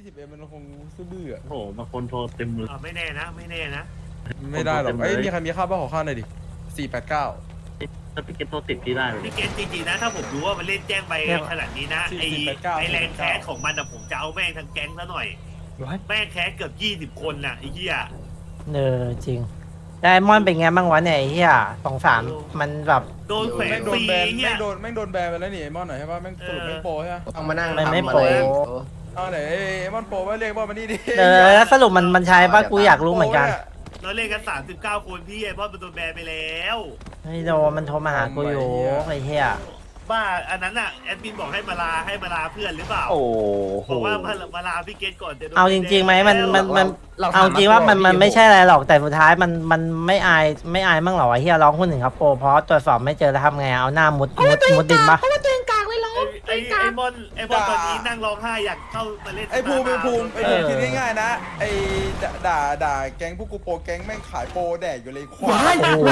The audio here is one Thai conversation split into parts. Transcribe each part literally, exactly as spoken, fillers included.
สิบเอ็มมันคงซื่อบื้ออะโอ้โหบางคนโทรเต็มเลยอ่าไม่แน่นะไม่แน่นะไม่ได้หรอกเต็มเลยเอ้ยมีใครมีค่าบ้าขอข้าวหน่อยดิสี่แปดเก้าถ้าพี่เก็ตโทรติดพี่ได้เลยพี่เกตจริงๆนะถ้าผมรู้ว่ามันเล่นแจ้งไปขนาดนี้นะไอไอแรงแคสของมันอะผมจะเอาแม่งทั้งแก๊งซะหน่อยแม่งแคสเกือบยี่สิบคนน่ะไอ้เหี้ยเออจริงไดมอนด์เป็นไงบ้างวะเนี่ยไอ้เหี้ยสองสามมันแบบโดนแขวแม่นงโดฟนรีแบนไอ้เหี้แม่ยงโดนแม่งโดนแบนไปแล้วนี่ไอ้มอนหน่อยใช่ปะแม่งสรุปเออแม่งโปรใช่ปะต้องมานั่งมันไม่ทำอะโปรรเอาไหนไอ้มอนโปรว่าเรียกว่ามานี่ดิเออแล้วสรุปมันมันใช้ปะกูอยากรู้เหมือนกันเราเล่นกันสามสิบเก้าคนพี่ไอ้บอสมันโดนแบนไปแล้วไอ้โดมันโทรมาหากูอยู่ไอ้เหี้ยบ้าอันนั้นอะแอดมินบอกให้มาลาให้มาลาเพื่อนหรือเปล่าโอ้บอกว่ามามาลาพี่เกตก่อนจะโดนเอาจริงๆไหมมันมันมันเราเอาจริงว่ามันมันไม่ใช่อะไรหรอกแต่สุดท้ายมันมันไม่อายไม่อายมั่งหรอไอ้เหี้ยร้องคนหนึ่งครับโปรเพราะตรวจสอบไม่เจอแล้วทำไงเอาหน้ามุดมุดมุดดินปะไอ้ไอ้มอนไอ้มอนตอนนี้นั่งร้องไห้อยากเข้ามาเล่นไอ้ภูมิไอ้ภูมิไอ้ภูมิคิดง่ายๆนะไอ้ด่าด่าด่าแก๊งพวกกูโปรแก๊งแม่งขายโปรแดกอยู่เลยควายโอ้โห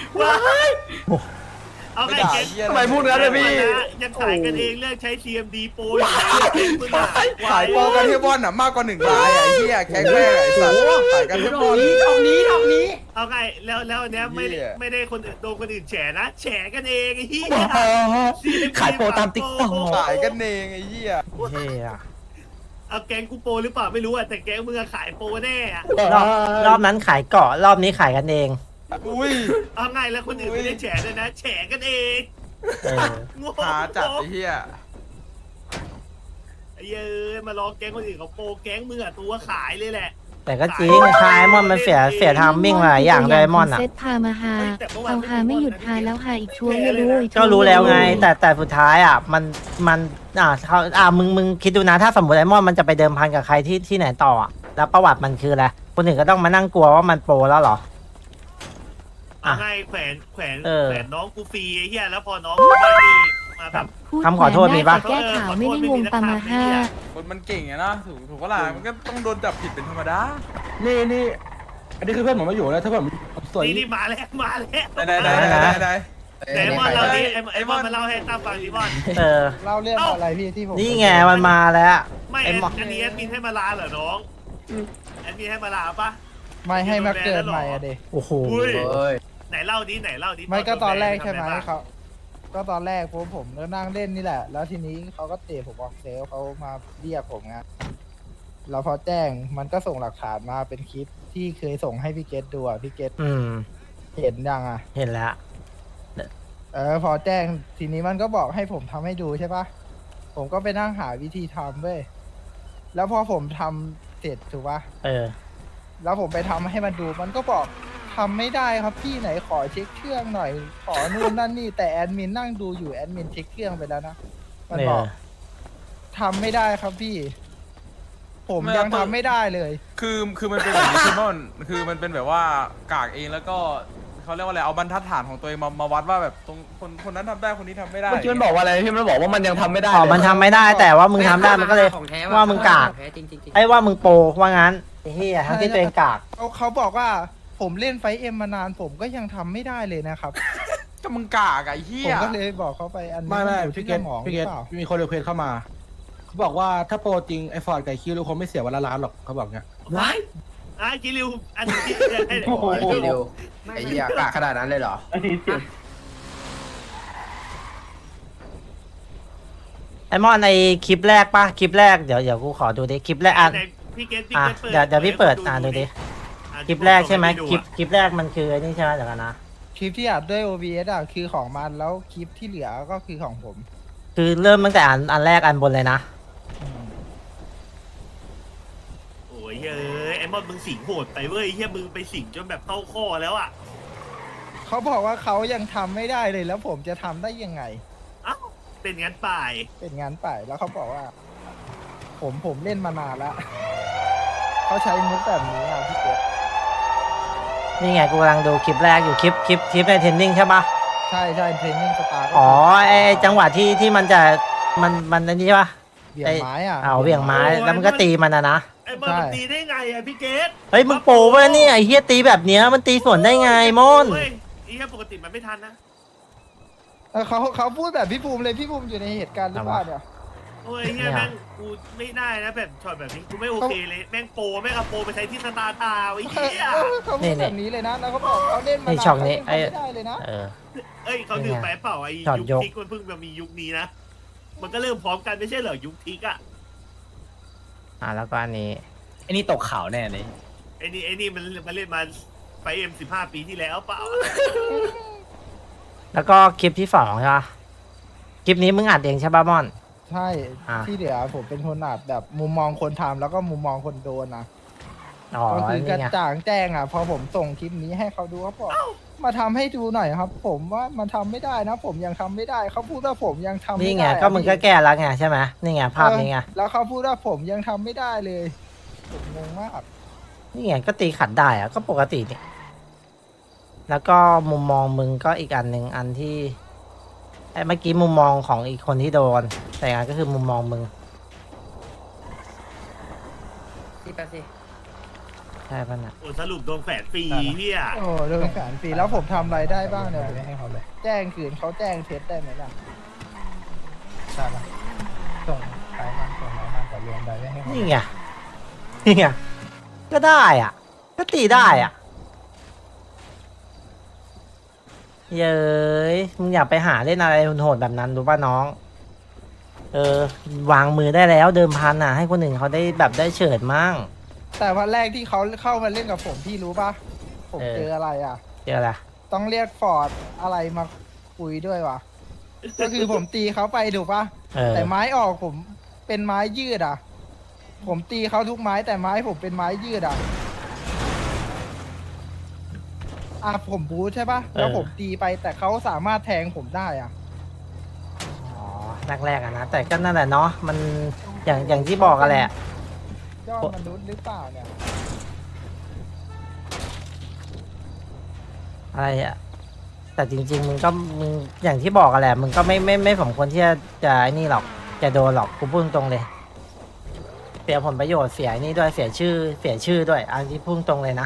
เอาไงเกตทำไมพูดงั้นเลยพี่ยังขายกันเองเลือกใช้ ซี เอ็ม ดี โปรอยู่เลยเกมมึงอะขายโปรกันเทบอลน่ะมากกว่าหนึ่งรายอะไอ้เหี้ยแก๊งแม่งไอ้สัตว์ขายกันเทบอลดอกนี้ดอกนี้เอาไงแล้วแล้วอันเนี้ยไม่ได้เหี้ยไม่ได้คนอื่นโดนคนอื่นแฉนะแฉกันเองไอ้เหี้ยขายโปรตามติ๊กต็อกขายกันเองไอ้เหี้ยเหี้ยเอาแก๊งกูโปรหรือเปล่าไม่รู้อะแต่แก๊งมึงอะขายโปรแน่อะรอบรอบนั้นขายเกาะรอบนี้ขายกันเองอุ้ยเอาไงแล้วคนอื่นไม่ได้แฉด้วยนะแฉกันเองเออโง่หาจัดไอ้เหี้ยไอ้เหี้ยเอ้ยมาล้อแก๊งคนอื่นเขาโปรแก๊งมึงอะตัวขายเลยแหละแต่ก็จริงคายมอนมันเสียเสียทามมิ่งหลายอย่างไดมอนด์อ่ะเซตพามาหาเอาหาไม่หยุดหาแล้วหาอีกช่วงไม่รู้อีก็รู้แล้วไง แต่แต่สุดท้ายอ่ะมันมันอ่าเขาอ่ามึงมึงคิดดูนะถ้าสมมติไดมอนด์มันจะไปเดิมพันกับใครที่ที่ไหนต่ออ่ะแล้วประวัติมันคืออะไรคนอื่นก็ต้องมานั่งกลัวว่ามันโปรแล้วเหรอเอาไงแขวนแขวนเออแขวนน้องกูฟรีไอ้เหี้ยแล้วพอน้องกูไม่นี่มาแบบพูดคำขอโทษมีปะแก้ข่าวไม่ได้งงปามาห้าคนมันเก่งไงนะถูกถูกก็ล่ะมันก็ต้องโดนจับผิดเป็นธรรมดานี่นี่อันนี้คือเพื่อนผมมาอยู่แล้วถ้าผมสวยนี่นี่มาแล้วมาแล้วไหนไหนไหนไหนไหนไหนมอนเราดิไอ้ไอ้มอนมาเล่าให้ตามฟังดิมอนเออเล่าเรื่องอะไรพี่ที่ผมนี่ไงมันมาแล้วไม่ไอ้แอดหมออันนี้แอดมินให้มาลาเหรอน้องแอดมินให้มาลาปะไม่ให้มาเกิดใหม่อะเด็โอ้โหอุ้ยเอ้ยไหนเล่าดิไหนเล่าดิไม่ก็ตอนแรกใช่ไหมทำอะบ้างเขาก็ตอนแรกผมผมก็นั่งเล่นนี่แหละ แล้วทีนี้เขาก็เตะผมออกเซลเขามาเรียกผมไงแล้วพอแจ้งมันก็ส่งหลักฐานมาเป็นคลิปที่เคยส่งให้พี่เกตดูอ่ะพี่เกตอืมเห็นยังอ่ะเห็นแล้วเออพอแจ้งทีนี้มันก็บอกให้ผมทำให้ดูใช่ปะผมก็ไปนั่งหาวิธีทำเว้ยแล้วพอผมทำเสร็จถูกปะเออแล้วผมไปทำให้มันดู มันก็บอกทำไม่ได้ครับพี่ไหนขอเช็คเครื่องหน่อย ขอนู่นนั่นนี่แต่แอดมินนั่งดูอยู่แอดมินเช็คเครื่องไปแล้วนะ มันบอกเออทำไม่ได้ครับพี่ ผมยังทำไม่ได้เลยคือคือมันเป็นแบบนี้คือมันคือมันเป็นแบบว่ากากเองแล้วก็เขาเรียกว่าอะไรเอาบรรทัดฐานของตัวเองมามาวัดว่าแบบตรงคนคนนั้นทำได้คนนี้ทำไม่ได้เมื่อกี้มันบอกว่าอะไรพี่มันบอกว่ามันยังทำไม่ได้อ๋อเลยมันทำไม่ได้แต่ว่ามึงทำได้มันก็เลย ว่ามึงกาก ไอ้ว่ามึงโปรว่างั้นไอ้เฮียทั้งที่ตัวเองกากเขาเขาบอกว่าผมเล่นไฟเอ็มมานาน ผมก็ยังทำไม่ได้เลยนะครับก็มึงกากอะไอ้เหี้ผมยก็เลยบอกเขาไปอันนี้ไม่ไม่อยู่พี่ที่เกสตมองหพี่รืเก อตเปล่ามีคนเรียกเพจเข้ามาเขาบอกว่าถ้าโปรจริงไอฟอร์ดไก่คิวเราคงไม่เสียวันละล้านหรอกเขาบอกเงี้ยว้ายอ่ะกิริวอันนี้ให้โอ้โหเดี๋ยวไอ้เหี้ยกล้าขนาดนั้นเลยเหรออันนี้เสียงไอมอนในคลิปแรกปะคลิปแรกเดี๋ยวเดี๋ยวกูขอดูดิคลิปแรกอ่ะไหนพี่เกตพี่อ่ะเกตเปิดเดี๋ยวเดี๋ยวพี่เปิดอ่านดูดิอ่ะคลิปแรกใช่ไหมดูคลิปอ่ะคลิปแรกมันคือไอ้นี่ใช่ไหมเดี๋ยวกันนะคลิปที่อัดด้วย โอ บี เอส อ่ะคือของมันแล้วคลิปที่เหลือก็คือของผมคือเริ่มตั้งแต่อันอันแรกอันบนเลยนะโอ้ยเฮ้ยไอ้มอนมึงสิงโหดไปเว้ยเฮียมึงไปสิงจนแบบเข้าข้อแล้วอ่ะเขาบอกว่าเขายังทำไม่ได้เลยแล้วผมจะทำได้ยังไงเอ้าเป็นงั้นป่ายเป็นงานป่ายแล้วเขาบอกว่า ผมผมเล่นมานานแล้ว เขาใช้มุกแบบนี้อ่ะพี่เกดนี่ไงกูกำลังดูคลิปแรกอยู่คลิปคลิปคลิปในเทรนนิ่งใช่ปะใช่ใช่เทรนนิ่งสตาร์อ๋อไอไอ้จังหวะที่ที่มันจะมันมันอันนี้ปะเบี่ยงไม้อ่ะเอาเหวี่ยงไม้แล้วมันก็ตีมันนะนะไอ้มอนมันตีได้ไงอ่ะพี่เกตเฮ้ยมึงโปรเว้ยเนี่ยไอ้เฮียตีแบบเนี้ยมันตีสวนได้ไงมอนเว้ยไอ้เฮียปกติมันไม่ทันนะเออเขาเขาพูดแบบพี่ภูมิเลยพี่ภูมิอยู่ในเหตุการณ์หรือเปล่าเนี่ยโอ้ยเฮียแม่งกูไม่ได้นะแบบช็อตแบบนี้กูไม่โอเคเลยแม่งโปรแม่งเอาโปรไปใช้ที่สตาร์ทาวน์ไอ้เหี้ยเขาพูดแบบนี้เลยนะแล้วเขาบอกเขาเล่นมานี่นานช่องนี้เขาเล่นไอ้เขาไม่ได้เลยนะเออเอ้ยเขาลืมไปเปล่าไอ้ช็อตยุคยกทิกมันเพิ่งมามียุคนี้นะมันก็เริ่มพร้อมกันไม่ใช่เหรอยุคทิกอะอ่าแล้วก็อันนี้ไอ้นี่ตกข่าวแน่เลยไอ้นี่ไอ้นี่มันมันเล่นมาไปเอ็มสิบห้าปีที่แล้วเปล่าแล้วก็คลิปที่สองใช่ปะคลิปนี้มึงอัดเองใช่ปะม่อนใช่อ่ะที่เหลือผมเป็นคนอัดแบบมุมมองคนทำแล้วก็มุมมองคนโดนนะอ๋อก็คือกระนี่ไงจ่างแจ้งอ่ะพอผมส่งคลิปนี้ให้เขาดูเขาบอกมาทำให้ดูหน่อยครับ ผมว่ามันทำไม่ได้นะ ผมยังทำไม่ได้เขาพูดว่าผมยังทำไม่ได้นี่ไงอะก็มึงก็แก้แล้วไงใช่ไหมนี่ไงภาพนี้ไงเออแล้วเขาพูดว่าผมยังทำไม่ได้เลยผมงงมากนี่ไงก็ตีขัดได้อะก็ปกตินี่แล้วก็มุมมองมึงก็อีกอันหนึ่งอันที่ไอ้เมื่อกี้มุมมองของอีกคนที่โดน แต่อันก็คือมุมมองมึงพี่แป๊บสิใช่ป่ะน่ะโอ้สรุปโดนแฝดฟรีเฮียโอ้โดนสารฟรีแล้วผมทำอะไรได้บ้างเนี่ยผมให้เขาเลย แจ้งคืนเขาแจ้งเท็จได้ไหมล่ะใช่ปะส่งไปบ้างส่งไหนบ้างก็รวมไปให้เขานี่ไงนี่ไงก็ได้อ่ะ ก็ตีได้อ่ะเย้ยมึงอย่าไปหาเล่นอะไรโหดๆแบบนั้นรู้ป่ะน้อง เออ วางมือได้แล้วเดิมพันอ่ะ ให้คนอื่นเขาได้แบบได้เฉิดมั่งแต่วันแรกที่เขาเข้ามาเล่นกับผมพี่รู้ปะผมเออเจออะไรอ่ะเจออะไรต้องเรียกฟอร์ดอะไรมาคุยด้วยวะ ก็คือผมตีเขาไปถูกปะเออแต่ไม้ออกผมเป็นไม้ยืดอ่ะ ผมตีเขาทุกไม้แต่ไม้ผมเป็นไม้ยืดอ่ะ อ่ะผมบูทใช่ปะแล้วผมตีไปแต่เขาสามารถแทงผมได้อ่ะอ๋อแรกๆอะนะแต่ก็นั่นแหละเนาะมันอย่างอย่างที่บอกกันแหละยอดมนุษย์หรือเปล่าเนี่ยอะไรอะแต่จริง ๆ มึงก็มึงอย่างที่บอกกันแหละ มึงก็ไม่ไม่ไม่สมควรที่จะจะไอ้นี่หรอกจะโดนหรอกกูพูดตรงๆเลย เสียผลประโยชน์เสียไอ้นี่ด้วยเสียชื่อเสียชื่อด้วยอันที่พูดตรงเลยนะ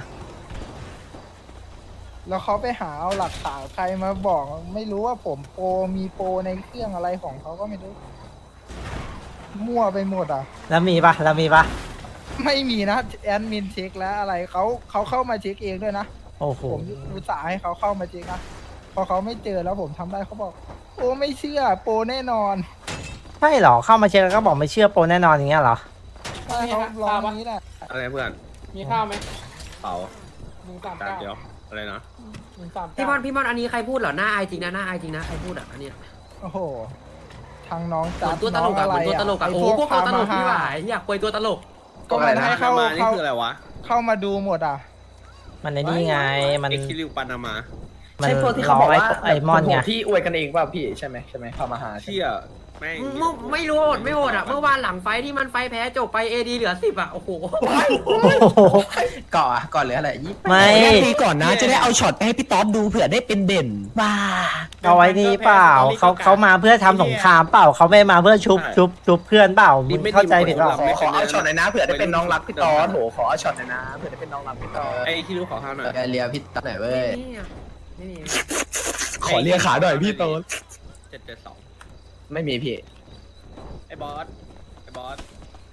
แล้วเขาไปหาเอาหลักฐานใครมาบอก ไม่รู้ว่าผมโปรมีโปรในเครื่องอะไรของเขาก็ไม่รู้ มั่วไปหมดอ่ะแล้วมีปะแล้วมีปะไม่มีนะแอดมินเช็คแล้วอะไรเขาเขาเข้ามาเช็คเองด้วยนะโอ้โหผมอุตส่าห์ให้เขาเข้ามาเช็คนะพอเขาไม่เจอแล้วผมทำได้เขาบอก โอ้ไม่เชื่อโปรแน่นอนใช่เหรอเข้ามาเช็คแล้วก็บอกไม่เชื่อโปรแน่นอนอย่างเงี้ยเหรอใช่เขาลองอย่างนี้แหละอะไรเพื่อนมีข้าวไหมเป๋าหนึ่งสามจานเก้าเดียวอะไรนะหนึ่งสามพี่เก้ามอนพี่มอนอันนี้ใครพูดเหรอหน้าอายจริงนะหน้าอายจริงนะใครพูดอ่ะอันเนี้ยโอ้โหทางน้องเหจัมือดนตัวตน้ลองกอ่ะอะเหไรมือนตัวตลกอ่ะไโอ้โหพวกตัวตลกพาพี่หมาวายอยากคุยตัวตลกก็มันให้เข้ามานี่เข้าคืออะไรวะเข้ามาดูหมดอ่ะมันในนี่ไงมันเอ็กซิลิวปานามามันใช่พวกที่เขาล้บอกไอ้ว่าไอ้มอนไงที่อวยกันเองเปล่าพี่ใช่ไหมใช่ไหมพามาหาเชี่ยแม่งไม่ไม่รู้โหดไม่โหดอ่ะเมื่อวานหลังไฟที่มันไฟแพ้จบไปเอดีเหลือสิบอ่ะโอ้โหก่อก่อนหรืออะไรยี่ไม่ตีก่อนนะจะได้เอาช็อตไปให้พี่ต๊อดดูเผื่อได้เป็นเด่นบ้าเอาไว้นี่เปล่าเขาเขามาเพื่อทำสงครามเปล่าเขาไม่มาเพื่อชุบชุบชุบเพื่อนเปล่ามึงเข้าใจผิดเปล่าขอขอเอาช็อตหน่อยนะเผื่อได้เป็นน้องรักพี่ต๊อดโหขอเอาช็อตหน่อยนะเผื่อได้เป็นน้องรักพี่ต๊อดไอ้คิริวขอข้าวหน่อยเรียพี่ต๊อดหน่อยเว้ยไม่มีขอเรียกขาหน่อยพี่ต๊อดเจ็ดเจ็ดสองไม่มีพี่ไอ้บอสไอ้บอส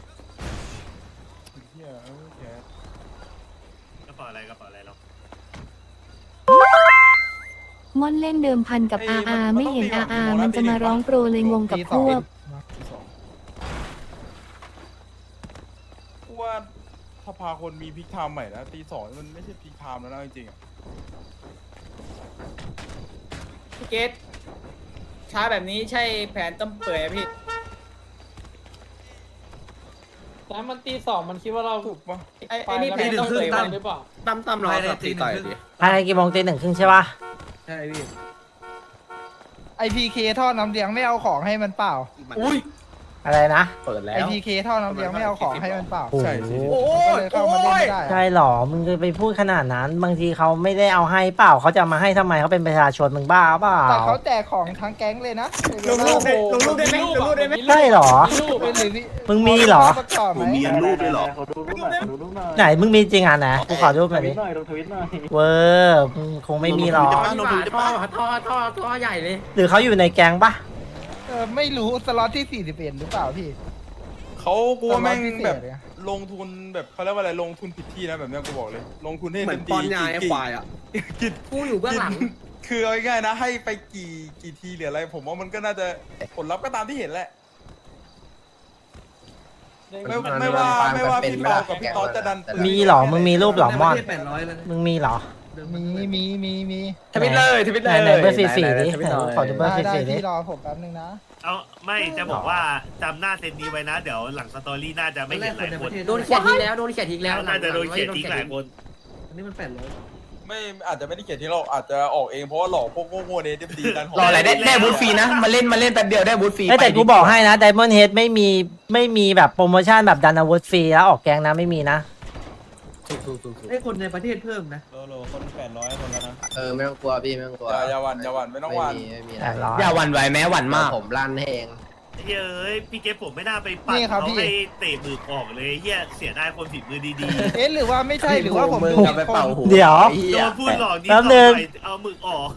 เหี้ยเออแกกระเป๋าอะไรกระเป๋าอะไรเราม่อนเล่นเดิมพันกับอาอาไม่เห็นอาอามันจะมาร้องโปรเลยงงกับพวกที่สองกูว่าถ้าพาคนมีพิกไทม์ใหม่แล้วตีสองมันไม่ใช่พิกไทม์แล้วนะจริงๆอะพี่เกตช้าแบบนี้ใช่แผนต้มเปื่อยอะพี่แต่มันตีสองมันคิดว่าเราถูกปะไอ้ไอ้นี่แผนต้มเปื่อยมาหรือเปล่าตั้มตั้มรอสับตีต่อยดิภายในกี่โมงตีหนึ่งครึ่งใช่ปะใช่พี่ไอพีเคท่อน้ำเลี้ยงไม่เอาของให้มันเปล่าอุ้ยอะไรนะเปิดแล้ไอวพีเคท่อน้ำเลี้ยงไม่เอาของให้มันเปล่าใช่สิโอ้ก็เลยเข้ามาเล่นไม่ได้ใช่อะหรอมึงจะไปพูดขนาดนั้น บางทีเขาไม่ได้เอาให้เปล่าเขาจะเอามาให้ทำไมเขาเป็นประชาชนมึงบ้าเปล่าแต่เขาแจกของทั้งแก๊งเลยนะลงรูปได้ลงรูปได้ไหมลงรูปได้ไหมใช่หรอมีรูปเป็นหรือมึงมีเหรอประกอบไหมมีรูปด้วยเหรอไหนมึงมีจริงอ่ะนะกูขอรูปหน่อยดิเวอร์มึงคงไม่มีหรอกท่อท่อท่อท่อใหญ่เลยหรือเขาอยู่ในแก๊งปะออไม่รู้สล็อตที่สี่สิบเอ็ดหรือเปล่าพี่เขากูว่าแม่งสล็อตพิเศษแบบเนี่ยลงทุนแบบเขาเรียกว่าอะไรลงทุนผิดที่นะแบบเนี้ยกูบอกเลย ลงทุนให้เหมือนต็ปอนยาไอ้ควายอ่ะกินผู้อยู่เบื้องหลังกินคือเอาง่ายๆนะให้ไปกี่กี่ทีหรืออะไร ผมว่ามันก็น่าจะผลลัพธ์ก็ตามที่เห็นแหละ ไม่ไม่ว่าไม่ว่าพี่เปากับพี่ต๊อดจะดันปืนมีเหรอมึงมีรูปเหรอมอนแปดร้อยเลยมึงมีเหรอมีมีมีมีทวิตเลยทวิตเลยไหนๆเบอร์สี่สี่ดิทวิตหน่อยขอดูเบอร์ได้สี่ได้สี่ดิพี่รอผมแป๊บนึงนะเอาไม่จะบอกว่าจำหน้าเซนนี้ไว้นะ เดี๋ยวหลังสตอรี่น่าจะไม่เห็นหลายคนโดนเขียดทิ้งแล้วโดนเขียดทิ้งแล้วน่าจะโดนเขียนทิ้งหลายคนอันนี้มันแปดร้อยไม่อาจจะไม่ได้เขียนที่เราอาจจะออกเองเพราะว่าหลอกพวกโง่ๆเนี่ยจะดีกันรออะไรได้ได้บูธฟรีนะมาเล่นมาเล่นแป๊บเดียวได้บูธฟรีเอ้ยแต่กูบอกให้นะไดมอนด์เฮดไม่มีไม่มีแบบโปรโมชั่นแบบดันอาวุธฟรีแล้วออกแกงนะไม่มีนะให้คนในประเทศเพิ่มนะโลโลคนแปดร้อยคนแล้วนะเออไม่ต้องกลัวพี่ไม่ต้องกลัวอย่าอย่าหวั่นอย่าหวั่นไม่ต้องหวั่นไม่มีไม่มีแปดร้อยอย่าหวั่นไหวแม้หวั่นมากผมลั่นให้เองเฮ้ยพี่เกฟผมไม่น่าไปปัดนี่ครับเขาพี่ให้เตะมือออกเลยเฮียเสียดายคนผิดมือดีเอ๊ะหรือว่าไม่ใช่หรือว่าผมมึงดูกลับไปผิดคเป่าน หูเดี๋ยวไอ้ๆเหี้โดยนพูดหลอกนี่แป๊บเอานึงไปเอามือออก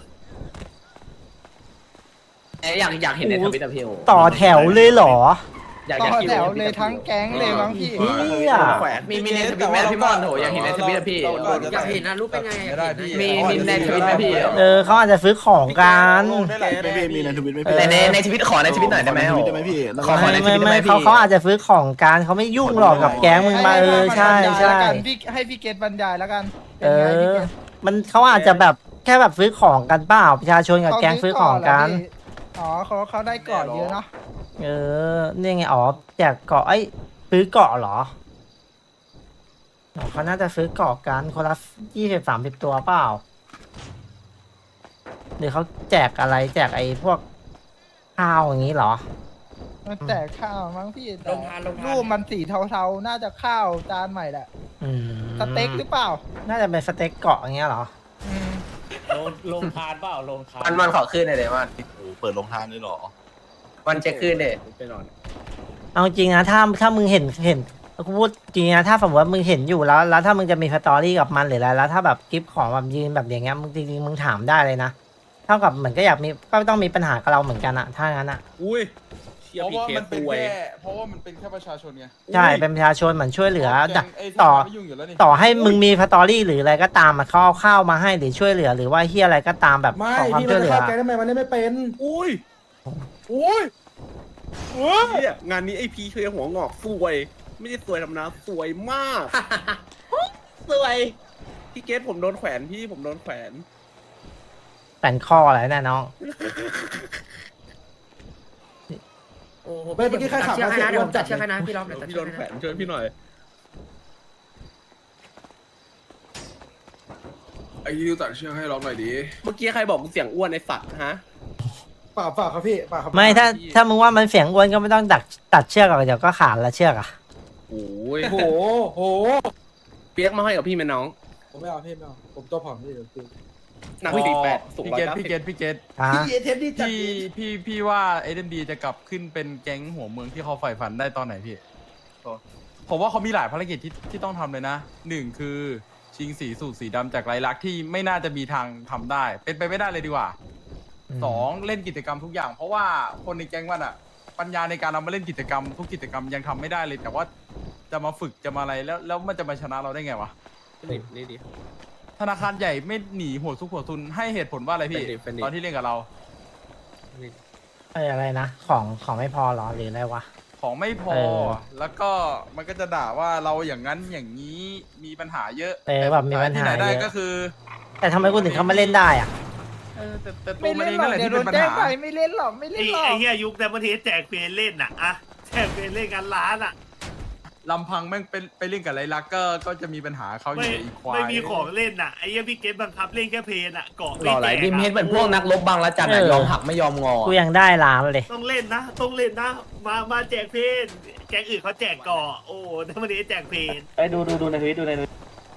อยากอยากเห็นในทวิตอะพี่โอต่อแถวเลยเหรออยากต่อยากอคิวแถวเลยทั้งแก๊งเลยมั้งพี่เหี้ยแขวนมีมีในทวิตไหมพี่มอนโหอยากเห็นในทวิตอะพี่อยากเห็นนะรูปเป็นไงไม่ได้พี่มีมีในทวิตไหมพี่เออเขาอาจจะซื้อของกันลงได้หลายแบรนด์มีในทวิตไหมเอพี่อในในในทวิตขอในทวิตหน่อยได้ไหมขอในทวิตโอ้ได้ไหมพี่แล้วขอก็ในไม่ทวิไม่ตได้ไหมไม่พี่เขาเขาอาจจะซื้อของกันเขาไม่ยุ่งหรอกกับแก๊งมึงมาเออใช่ให้ใช่บรรยายแล้วกันพี่ให้พี่เกตบรรยายแล้วกันเอเป็นไงพี่อเกตมันเขาอาจจะแบบแค่แบบซื้อของกันเปล่าประชาชนกับแก๊งซื้อของกันอ๋อเขาเขาได้ก่อนเยอะเนาะเออนี่ไงอ๋อแจกเกาะไอ้ยซื้อเกาะเหรออ๋อเขาน่าจะซื้อเกาะกันคนละยี่สิบสามสิบตัวเปล่าหรือเขาแจกอะไรแจกไอ้พวกข้าวอย่างนี้เหรอมันแจกข้าวมั้งพี่แต่ลงทานลงทานรูปมันสีเทาๆน่าจะข้าวจานใหม่แหละอืมสเต็กหรือเปล่าน่าจะเป็นสเต็กเกาะอย่างเงี้ยเหรออืมลงทานเปล่าลงทานมันมันขอขึ้นหน่อยเดี๋ยวมันโอ้โหเปิดโรงทานเลยเหรอมันจะขึ้นเดี๋ยไปนอนเอาจริงนะถ้าถ้ามึงเห็นเห็นกูพูดจริงนะถ้าสมมติว่ามึงเห็นอยู่แล้ว แล้วถ้ามึงจะมีสตอรี่กับมันหรืออะไรแล้วถ้าแบบคลิปของแบบยืนแบบอย่างเงี้ยมึงจริงๆมึงถามได้เลยนะเท่ากับเหมือนก็อยากมีก็ต้องมีปัญหากับเราเหมือนกันอะถ้างั้นอะอุ้ยเชียเพราะพีว่าเคมันเป็นป่วยแค่เพราะว่ามันเป็นแค่ประชาชนไงใช่เป็นประชาชนเหมือนช่วยเหลือแกดักงไอ้ที่ต่อไม่ยุ่งอยู่แล้วนี่ต่อให้มึงมีสตอรี่หรืออะไรก็ตามอะเขาเอาข้าวมาให้หรือช่วยเหลือ หรือว่าเฮียอะไรก็ตามแบบไม่ขอความพี่ช่มัวน ยเหลืจะอเข้าแกงทำไมมันเล่นไม่เป็น อุ้ยอุ้ยเฮ้ยเนี่ยงานนี้ไอพีเคหัวงอกสวย ไม่ใช่สวยธรรมดาสวยมาก สวยพี่เกตผมโดนแขวนพี่ผมโดนแขวนแป่นข้ออะไรแน่น้องโอ้โหไม่เมื่อกี้ใครขับเชือกให้นะมาเสียงเดี๋ยวผมตัดจัดเชือกให้นะพี่รอบเดี๋ยวตัดพี่เชืโดอกนให้แขวนะนช่วยพี่หน่อยไอ้ยูตัดเชือกให้ร้องหน่อยดิเมื่อกี้ใครบอกมึงเสียงอ้วนไอ้สัตว์ฮะเปล่าเปล่าครับพี่เปล่าครับไม่ถ้าถ้ามึงว่ามันเสียงอ้วนก็ไม่ต้องดักตัดเชือกหรอกเดี๋ยวก็ขาดละเชือกอะโอ้ยโหโหเปียกมาให้กับพี่ไหมน้องผมไม่เอาพี่ไม่เอาผมตัวผอมพี่เดี๋ยวคือหนักสี่แปดสูงพี่ร้อยเกตเก้าสิพี่บเกตพี่เกตอ่ะพี่เทปนี่จัดพี่พี่พี่ว่าเอ็มดีจะกลับขึ้นเป็นแก๊งหัวเมืองที่เขาใฝ่ฝันได้ตอนไหนพี่ผมว่าเขามีหลายภารกิจที่ที่ต้องทำเลยนะหนึ่งคือชิงสีสูตรสีดำจากไรลักษณ์ที่ไม่น่าจะมีทางทำได้ เป็นไปไม่ได้เลยดีกว่าสองเล่นกิจกรรมทุกอย่าง เพราะว่าคนในแก๊งมันอะปัญญาในการเอามาเล่นกิจกรรมทุกกิจกรรมยังทำไม่ได้เลย แต่ว่าจะมาฝึกจะมาอะไรแล้วแล้วมันจะมาชนะเราได้ไงวะนี่นี่ดิธนาคารใหญ่ไม่หนีหัวซุกหัวซุนให้เหตุผลว่าอะไรพี่เป็นดิเป็นดิตอนที่เล่นกับเราไอ้อะไรนะของของไม่พอเหรอหรืออะไรวะของไม่พอเออแล้วก็มันก็จะด่าว่าเราอย่างนั้นอย่างนี้มีปัญหาเยอะเออแบบมีปัญหาที่ไหนได้เยอะก็คือแต่ทำไมกูถึงเขามาเล่นได้อ่ะเออแต่แต่ตัไม่วมันเล่เอน งหรอนั่นแหละกเดี๋ยวที่โดเป็น นปัญแจ้งหาไปไม่เล่นหรอกไม่เล่ไอ้นหรอกไอ้เฮียยุคแต่ประเทศแจกเฟรนเล่นน่ะอะแจกเฟรนเล่นกันล้านอ่ะลำพังแม่งเป็นไปเล่นกับไรลักษณ์ก็ก็จะมีปัญหาเขาอไม่ยู่อีกควายไม่มีของเล่นน่ะไอ้เฮียพี่เกตบังคับเล่นแค่เพลนอ่ะเกาะหล่อไหลดิมเฮดเป็นพวกนักรบบางละจันเออยอมหักไม่ยอมงอกูยังได้ล้านเลยต้องเล่นนะต้องเล่นนะ มามาแจกเพลนแก๊งอื่นเขาแจกเกาะโอ้แต่ประเทศแจกเพลนไปดูดูดูในทวิตดูในทวิต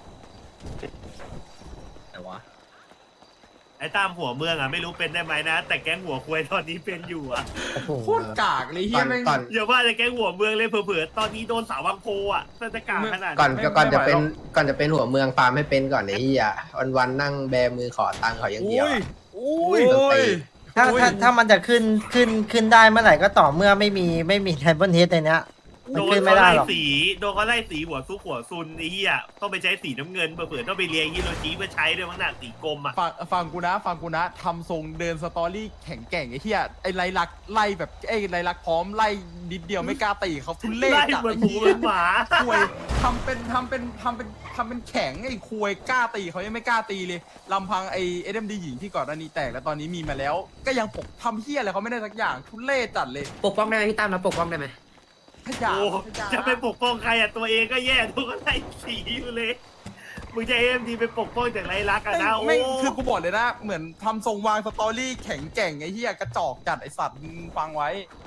แต่วะไอ้ตามหัวเมืองอ่ะไม่รู้เป็นได้ไหมนะ แต่แก๊งหัวควยตอนนี้เป็นอยู่อ่ะโคตรกากเลยเฮีก่อย นแม่งก่อนอย่าว่าแต่แก๊งหัวเมืองเลยเผลอๆตอนนี้โดนสาววังโพอ่ะน่าจะกลางขนาดก่อนไม่ก่อนจะไม่ไหวเป็นหรอกก่อนจะเป็นหัวเมืองฟาร์มให้เป็นก่อนไอ้เหี้ยวันวันๆนั่งแบมือขอตังค์เขาอย่างเดียวอะอุ้ยต้องตีถ้าถ้าถ้ามันจะขึ้นขึ้นขึ้นได้เมื่อไหร่ก็ต่อเมื่อไม่มีไม่มีไทเบิลเฮดในเนี้ยมันโดขึ้นนไม่เขาได้ไล่หรอกสีโดนเขาไล่สีหัวซุกหัวซุนไอ้เหี้ยต้องไปใช้สีน้ำเงินเผื่อๆต้องไปเรียงฮิโรชิมาใช้ด้วยมั้งน่ะสีกรมอ่ะฟังฟังกูนะฟังกูนะทำทรงเดินสตอรี่แข็งแกร่งไอ้เหี้ยไอ้ไรลักษณ์ไล่แบบไอ้ไรลักษณ์พร้อมไล่นิดเดียวไม่กล้าตีเขาทุเล่ไล่จัดเหมือนไอ้หมูเหี้เหมืยอนหมาคุยทำเป็นทำเป็นทำเป็นทำเป็นแข็งไอ้คุยกล้าตีเขายังไม่กล้าตีเลยลำพังไอ้เอ็มดีหญิงที่ก่อนหน้านี้แตกแล้วตอนนี้มีมาแล้ว ก็ยังปกทำเหี้ยอะไรเขาไม่ได้สักอย่างทุเล่จัดเลยปกป้องได้ไหมพี่ตั้มเราปกป้องได้ไหมขยะโอ้ขยจะไปปกป้องใครอ่ะตัวเองก็แย่ทุกคนไล่สีอยู่เลยมึงจะเอ็มดีไปปกป้องจากไรลักษณ์อะนะโอ้ไม่คือกูบอกเลยนะ เหมือนทำทรงวางสตอรี่แข็งแกร่งไอ้เหี้ยกระจอกจัดไอ้สัตว์มึงฟังไว้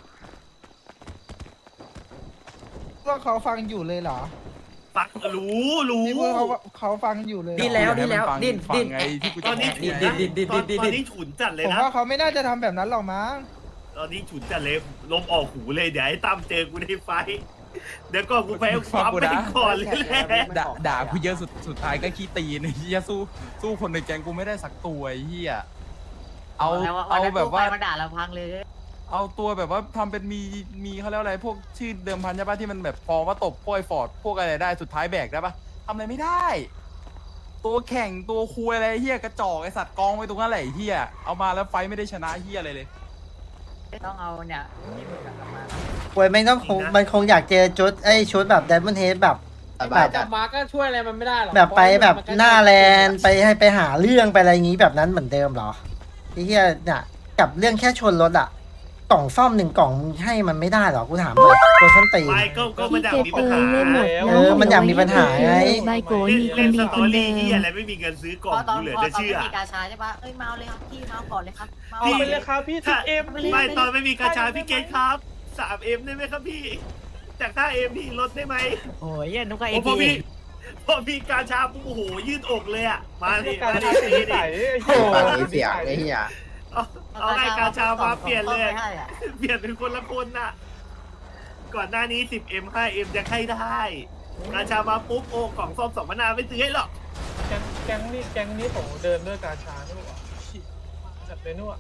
ว่าเขาฟังอยู่เลยเหรอฟังรู้รู้นี่พูดเขาเขาฟังอยู่เลยเหรอดิ้นแล้วดิ้นแล้วฟังดิ้นฟังดิ้นไงที่กูตจะอนนี้บอกฉุนไงนะดิ้นดิ้นดิ้นดิ้นตอนนี้ฉุนจัดเลยผมนะว่าเขาไม่น่าจะทำแบบนั้นหรอกมั้งตอนนี้ฉุนจัดเลยลมออกหูเลยเดี๋ยวไอ้ตั้มเจอกูในไฟท์เดี๋ยวก็กูแพ้ความไปก่อนเลยแหละด่าด่ากูเยอะสุดสุดท้ายก็ขี้ตีนไอ้เหี้ยสู้สู้คนในแก๊งกูไม่ได้สักตัวไอ้เหี้ยเอาเอาแบบว่ามาด่าเราพังเลยเอาตัวแบบว่าทำเป็นมีมีเขาเรียกว่าอะไรพวกชื่อเดิมพันใช่ปะที่มันแบบฟอร์มว่าตบพวกไอ้ฟอร์ดพวกอะไรได้สุดท้ายแบกได้ปะทำอะไรไม่ได้ ตัวแข่งตัวคุยอะไรเฮียกระจอกไอสัตว์กองไว้ตรงนั้นแหละไอ้เฮียเอามาแล้วไฟท์ไม่ได้ชนะเฮียอะไรเลยต้องเอาเนี่ยนี่มึงกลับมาควยไม่ต้องคงมันคงอยากเจอชุดไอ้ชุดแบบไดมอนเฮดแบบสบายจัดมาก็ช่วยอะไรมันไม่ได้หรอกแบบไปแบบหน้าแลนไปให้ไปหาเรื่องไปอะไรอย่างงี้แบบนั้นเหมือนเดิมเหรอไอ้เหี้ยเนี่ยกับเรื่องแค่ชนรถอะกล่องซ่อมหนึ่งกล่องมึงให้มันไม่ได้หรอกูถามหน่อยคนส้นตีนไม่ก็ก็มันพี่อยากเกตมีเอปัญหาอเล่นหมดเออมันอยากมีปัญหาไงใบโกยมีคเล่นนดีสคตอนเดิรี่ที่มอะไรไม่มีเงินซื้อกล่องกูเหลือจะเชื่อมีกาชาใช่ปะเอ้ยเมาเลยครับพี่เมาก่อนเลยครับพี่ไปเลยครับพี่ถ้าเอ็มไม่ตอนไม่มีกาชาพี่เกตครับสามเอ็มได้ไหมครับพี่จากห้าเอ็มพี่ลดได้ไหมโอ้ยเย็นนุกไอโอ้พอพีพี่พอพี่กาชาปุ๊บโอ้โหยืดอกเลยอ่ะมาดิมาดิมาดิฟังนี้เสียงไอ้เหี้ยเอาเอาไงกาชามาเปลี่ยนเลย เปลี่ยนเป็นคนละคนน่ะ ก่อนหน้านี้ สิบเอ็ม ห้าเอ็ม ยังให้ได้ กาชามาปุ๊บโอ้กล่องซ่อมสองมะนาวไม่ซื้อให้หรอกแก๊งแก๊งนี้แก๊งนี้ผมเดินด้วยกาชาด้วยว่ะจัดเลยนู่น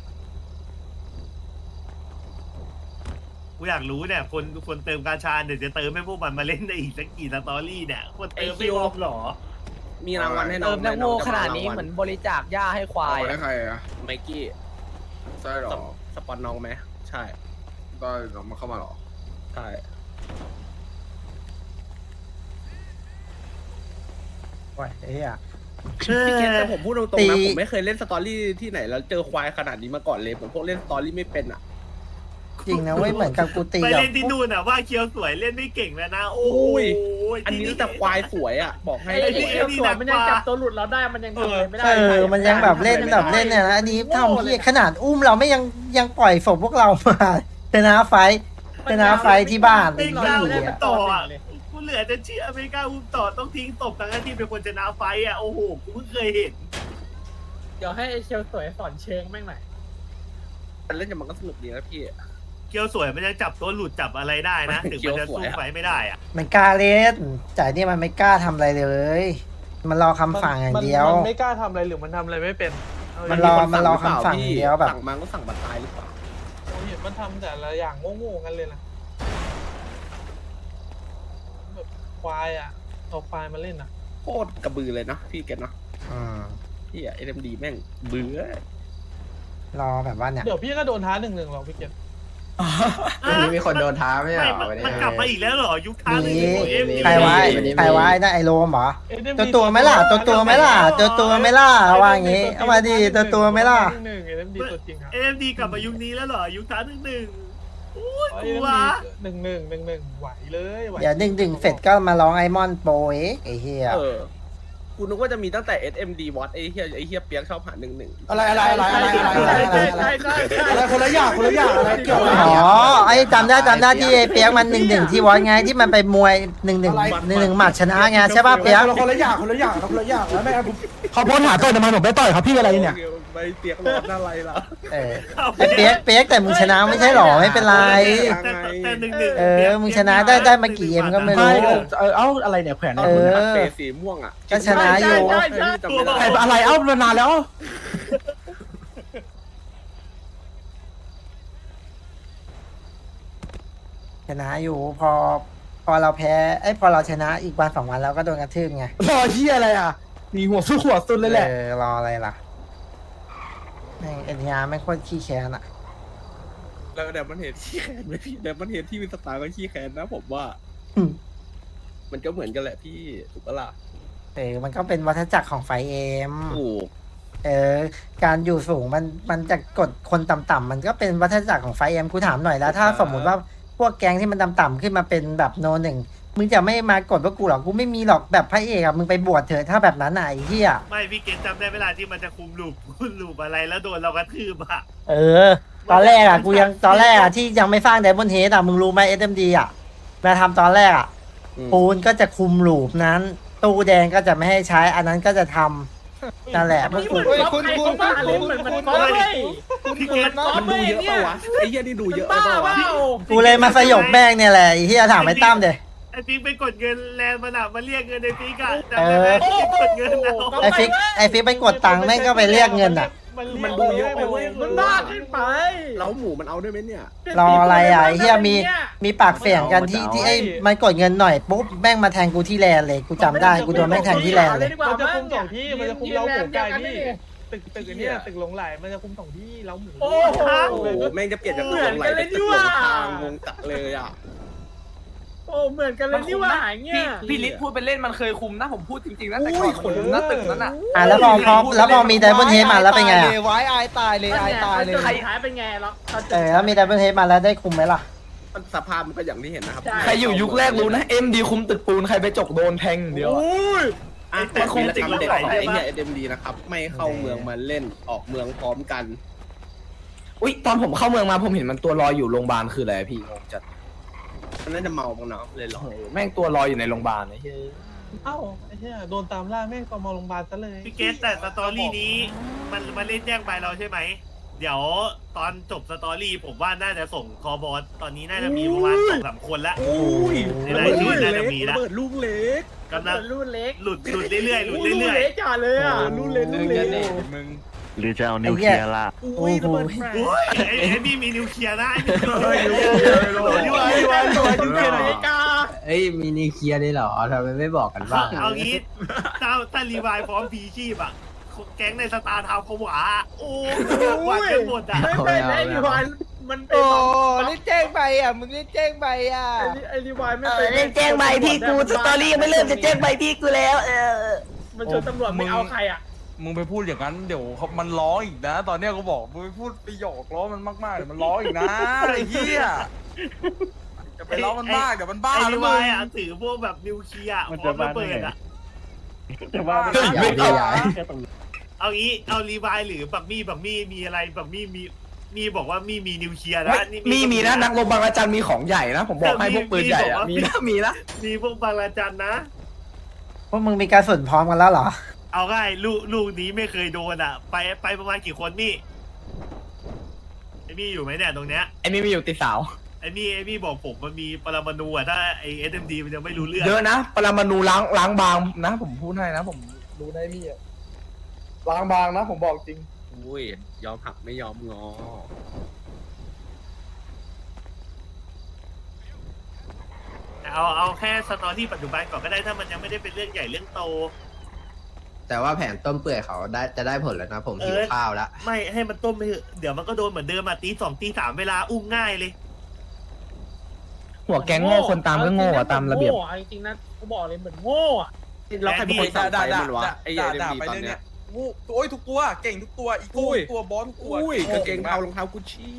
กูอยากรู้เนี่ย คนคนเติมกาชาเดี๋ยวจะเติมให้พวกมันมาเล่นได้อีกสักกี่สตอรี่เนี่ยคนเติมไม่พอหรอมีรางวัลให้น้องเติมนักโง่ขนาดนี้จะเหมือนบริจาคหญ้าให้ควายได้ใครอะไมกี้ใช่หรอสปอนน้องไหมใช่ได้น้องมาเข้ามาหรอใช่โอ้ยไอ้เหี้ยพี่เกตแต่ผมพูดตรงตีๆนะผมไม่เคยเล่นสตอรี่ที่ไหนแล้วเจอควายขนาดนี้มาก่อนเลยผมพวกเล่นสตอรี่ไม่เป็นอ่ะจริงนะเว้ยเหมือนกับกูตีไปแบบเล่นที่นู่นอ่ะว่าเคียวสวยเล่นไม่เก่งแล้วนะ โอ้ยอันนี้แต่ควายสวยอ่ะบอกให้ไอ้ที่เอ็มสวยมันยังจับตัวหลุดเราได้มันยังทำอะไรไม่ได้เออมันยังแบบเล่นแบบเล่นเนี่ยนะอันนี้ทำเหี้ยขนาดอุ้มเราไม่ยังยังปล่อยศพพวกเรามาชนะไฟท์ชนะไฟท์ที่บ้านไม่ไอ้กล้าเหี้เล่นยต่ออ่ะกูเหลือจะเชื่อไม่กล้าอุ้มต่อต้องทิ้งตบทั้งที่เป็นคนชนะไฟอ่ะโอ้โหกูเพิ่งเคยเห็นเดี๋ยวให้เชลสวยสอนเชิงแม่งหน่อยมันเล่นกับมันก็สนุกดีนะพี่เคียวสวยมันยังจับตัวหลุดจับอะไรได้นะถึงมันจะสู้ไฟไม่ได้อ่ะมันกล้าเล่นจ่ายนี่มันไม่กล้าทำอะไรเลย มันรอคำสั่งอย่างเดียวมันไม่กล้าทำอะไรหรือมันทำอะไรไม่เป็นมันรอมันรอคำสั่งอย่างเดียวแบบสั่งมาก็สั่งบัตรตายหรือเปล่าผมเห็นมันทำแต่ละอย่างโง่ๆกันเลยนะแบบควายอ่ะเอาควายมาเล่นอ่ะโคตรกระบือเลยเนาะพี่เกตเนาะอืมพี่อะเอ็มดีแม่งเบื่อรอแบบว่าเนี่ยเดี๋ยวพี่ก็โดนท้าหนึ่งหนึ่งหรอกพี่เกศวันนี้มีคนโดนท้าไม่ใช่ไม่เหรอมันวันนี้มันกลับมาอีกแล้วเหรอยุคท้าเลยมีเอ็มใครไว้วันนี้มีใครไว้นะไอโรมเหรอเอ็มตัวตัวไหมล่ะตัวตัวไหมล่ะตัวตัวไหมล่ะว่าอย่างงี้เอามาดิตัวตัวไหมล่ะหนึ่งเอ็มดีตัวจริงครับเอ็มดีกลับมายุคนี้แล้วเหรอยุคท้าหนึ่งหนึ่งโอ้ยเอ็กูมวะดีหนึ่งหนึ่งหนึ่งหนึ่งไหวเลยไหวเดี๋ยวดึงดึงเสร็จก็มาร้องไอมอนโปรเอ็กไอเฮียเออกูนึกว่าจะมีตั้งแต่ เอส เอ็ม ดี วอตไอ้เฮียไอ้เฮียเปียกชอบหาหนึ่งหนึ่งอะไรอะไรอะไรอะไรอะไรอะไรอะไรอะไรคนละอย่างคนละอย่างอะไรเกี่ยวอะไรอ๋อไอจำได้จำได้ที่ไอ้เปียกมันหนึ่งหนึ่งที่วอนไงที่มันไปมวยหนึ่งหนึ่งหนึ่งหนึ่งหมัดชนะไงใช่ป่ะเปียกคนละอย่างคนละอย่างคนละอย่างแล้วแม่เขาโพสหาต่อยทำไมผมไม่ต่อยครับพี่อะไรเนี่ยไปเปียกร้อนอะไรล่ะเออไอเปียกเปียกแต่มึงชนะไม่ใช่หรอไม่เป็นไรแต่แต่หนึ่งหนึ่งเออมึงชนะได้ได้มากี่เอ็มก็ไม่รู้เออเอ้าอะไรเนี่ยแขวนเออเปสีม่วงอ่ะก็ชนะอยู่ใช่ใช่จำไม่ได้อะไรเอ้ามานานแล้วชนะอยู่พอ พอเราแพ้ไอ้ยพอเราชนะอีกวันสองวันเราก็โดนกระทืบไงรอเชี่ยอะไรอ่ะมีหัวสู้หัวสุดเลยแหละเออรออะไรล่ะแม่งเอ็นยาไม่งโคตรขี้แค้นอ่ะแล้วเดี๋ยวมันเห็นขี้แค้นไหมพี่เดี๋ยวมันเห็นที่มีสตาร์ก็ขี้แค้นนะผมว่าอืมมันก็เหมือนกันแหละพี่ถูกปะล่ะเออมันก็เป็นวัฏจักรของไฟเอ็มถูกเออการอยู่สูงมันมันจะกดคนต่ำๆมันก็เป็นวัฏจักรของไฟเอ็มกูถามหน่อยแล้ว ถ้าสมมุติว่าพวกแก๊งที่มันต่ำๆขึ้นมาเป็นแบบโนหนึ่งมึงจะไม่มากดว่ากูหรอกกูไม่มีหรอกแบบพระเอกอะมึงไปบวชเถอะถ้าแบบนั้นน่ะไอ้เหี้ยไม่พี่เกณฑ์จำได้เวลาที่มันจะคุมลูปคุมลูปอะไรแล้วโดนเรากระทืบอะเออ ตอนแรกอะกูยังตอนแรกอะที่ยังไม่สร้างไดมอนด์เฮดอะมึงรู้ไหมเอสเอ็มดีอะมาทำตอนแรกอะอืมปูนก็จะคุมลูปนั้น ตู้แดงก็จะไม่ให้ใช้ อันนั้นก็จะทำนั่นแหละพวกกูเฮ้ยคุณคุณคุณคุณเหมือนมันก๊อปเลยพี่เกณฑ์มันดูเยอะปะวะไอ้เหี้ยนี่ดูเยอะไปบ้าปะเปวะล่ากูเลยมาสยบแม่งเนี่ยแหละไอ้เหี้ยถามไอ้ตั้มเดยไอ้ปิ๊กไปกดเงินแลนด์มันอะมาเรียกเงินในปิ๊กอะจำเอได้อไหมที่กดเงินเอาไอ้ฟิกไอ้ฟิกไปกดตังค์แม่งก็ไปเรียกเงินอะมันดูเยอะไปเว้ยมันบ้าขึ้นไปแล้วหมูมันเอาด้วยไหมเนี่ยรออะไรอะไอ้เหี้ยมีมีปากเสียงกันที่ที่ไอ้มันกดเงินหน่อยปุ๊บแม่งมาแทงกูที่แลนเลยกูจำได้กูโดนแม่งแทงที่แลนเลยมันจะคุมสองที่มันจะคุมเราหมูไก่พี่ตึกตึกเนี่ยตึกหลงไหลมันจะคุมสองที่เราหมูโอ้โหโอ้โหแม่งจะเปลี่ยนจากตึกหลงไหลเป็นตึกหลงทางงงจัดเลยอ่ะโอ้เหมือนกันเลยนี่ว่าอย่างเงี้ยพี่ลิศพูดไปเล่นมันเคยคุมนะผมพูดจริงๆนะแต่ก่อนมันคุมหน้าตึกนั้นอ่ะอ่ะแล้วพอพอแล้วพอมีไดมอนด์เฮดมาแล้วเป็นไงอะไว้อายตายเลยอายตายเลยใครหายเป็นไงหรอเออแล้วมีไดมอนด์เฮดมาแล้วได้คุมไหมล่ะมันสภาพมันก็อย่างที่เห็นนะครับใครอยู่ยุคแรกรู้นะเอ็มดีคุมตึกปูนใครไปจกโดนแทงเดียวอะอ่ะแต่คุมตึกหลงไหลไอ้เนี่ยเอ็มดีนะครับไม่เข้าเมืองมาเล่นออกเมืองพร้อมกันอุ้ยตอนผมเข้าเมืองมาผมเห็นมันตัวลอยอยู่โรงพยาบาลคืออะไรพี่งงจัดมันน่าจะเมาบ้างเนาะเลยหรอโอ้โหแม่งตัวลอยอยู่ในโรงพยาบาลไอ้เหี้ยเอ้าไอ้เหี้ยโดนตามล่าแม่งตอมโรงพยาบาลซะเลยพี่เกณฑ์แต่สตอรี่นี้มันมาเล่นแจ้งไปเราใช่ไหมเดี๋ยวตอนจบสตอรี่ผมว่าน่าจะส่งคอบอสตอนนี้น่าจะมีประมาณสองสามคนละโอ้ยในรายชื่อน่าจะมีละเปิดลูกเล็กกำลังรุ่นเล็กหลุดหลุดเรื่อยๆหลุดรุ่นเรื่อยเล็กจ่าเลยอ่ะลูกเล็กลูกเล็กมึงหรือจะเอานิวเคลียร์ล่ะอุ้ยระเบิดแฟๆโอ้ยไอ้ไอ้นี่มีนิวเคลียร์นะไอ้นี่เฮ้ยยูยูไอยูไอยูไอยูไออเมริกาเอ้ยมีนิวเคลียร์ได้เหรอทำไมไม่บอกกันบ้างเอางี้ถ้าถ้ารีไวล์พร้อมพีชีพอะแก๊งในสตาร์ทาวน์ผวาโอ้หวานกันหมดอะไม่ไม่ไอ้รีวายมันเป็นโอ้รีบแจ้งไปอ่ะมึงรีบแจ้งไปอ่ะไอ้รีวายไม่เอเป็อน เล่นแจ้งใบพี่กูสตอรี่ยังไม่เริ่มจะแจ้งใบพี่กูแล้ว เออมันชนตำรวจไม่เอาใครอ่ะมึงไปพูดอย่างนั้นเดี๋ยวเขามันร้องอีกนะ ตอนเนี้ยเขาบอกมึงไปพูดไปหยอกล้อมันมากๆเดี๋ยวมันร้องอีกนะไอ้เหี้ยจะไปล้อมันมากเดี๋ยวมันบ้าไอ้หรืรีอไวมึงล์อะถือพวกแบบนิวเคลียร์พร้อมระเบิดอะจะว่าเฮ้ยอย่าดีอย่าเอางี้เอารีไวล์หรือบักมี่บักมี่มีอะไรบักมี่มีมีบอกว่ามีมีนิวเคลียร์นะนี่มีมีนะนักรบบางระจันมีของใหญ่นะผมบอกให้พวกปืนใหญ่อะมีนะมีนะมีพวกบางระจันนะพวกมึงมีการสุนพร้อมกันแล้วเหรอเอาง่ายลูกลูกนี้ไม่เคยโดนอ่ะ ไปไปประมาณกี่คนมี่ไอ้มี่อยู่ไหมเนี่ยตรงเนี้ยไอ้นี่มีอยู่ติดสาวไอ้มี่ไอ้มี่บอกผมมันมีปรมาณูอ่ะถ้าไอเอสเอ็มดีมันยังไม่รู้เรื่องเยอะนะปรมาณูล้างล้างบางนะผมพูดให้นะผมรู้ได้พี่อ่ะล้างบางนะผมบอกจริงอุ้ยยอมหักไม่ยอมงอเอาเอาแค่สตอรี่ปัจจุบันก่อนก็ได้ถ้ามันยังไม่ได้เป็นเรื่องใหญ่เรื่องโตแต่ว่าแผนต้มเปื่อยเขาได้จะได้ผลแล้วนะ ผมหิวเออข้าวแล้วไม่ให้มันต้มไปเถอะเดี๋ยวมันก็โดนเหมือนเดิมอ่ะตีสองตีสามเวลาอุ้มง่ายเลยหัวแก๊งโง่คนตามก็โง่อะตามระเบียบจริงๆนะกูบอกเลยเหมือนโง่อะเราใครเป็นคนสั่งไฟมันวะไอ้ด่าเอ็มด่าดีไปตอนเรื่อยเนี้เนี่ย ยงูโอ้ยทุกตัวเก่งทุกตัวอีโก้อุ้ยทุกตัวบอสทุกตัวอุ้ยกางเกงเทารองเท้ากุชชี่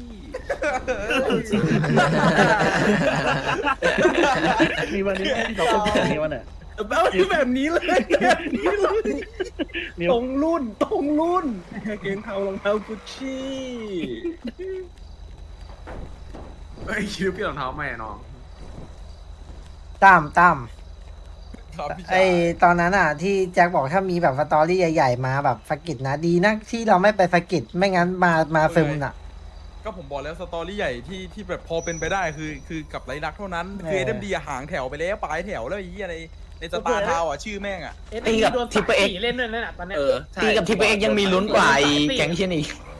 มีวันนี้ที่เราพูดแบบนี้วันเนี่ยแบบนี้แบบนี้เลยแบบนี้เลยตรงรุ่นตรงรุ่นกางเกงเทารองเท้ากุชชี่เฮ้ยคิดว่าพี่รองเท้าแม่น้องตั้มตั้มครับพี่ไอชายตอนนั้นอ่ะ ที่แจ็คบอกถ้ามีแบบสตอรี่ใหญ่ๆมาแบบสะกิดนะดีนะที่เราไม่ไปสะกิดไม่งั้นมามาซึมน่ะก็ผมบอกแล้วสตอรี่ใหญ่ที่ที่แบบพอเป็นไปได้คือคือกับไรลักษณ์เท่านั้นคือเออเอ็มดีหางแถวไปแล้วปลายแถวแล้วไอ้เหี้ยในในสตาร์ทาวน์อ่ะชื่อแม่งอ่ะตีกับทิปเปอร์เอ็กเล่นด้วยนั่นแหละตอนเนี้ยเออใช่ตีกับทีพีเอ็กยังมีลุ้นกว่าไอ้แก๊งเชียนอีก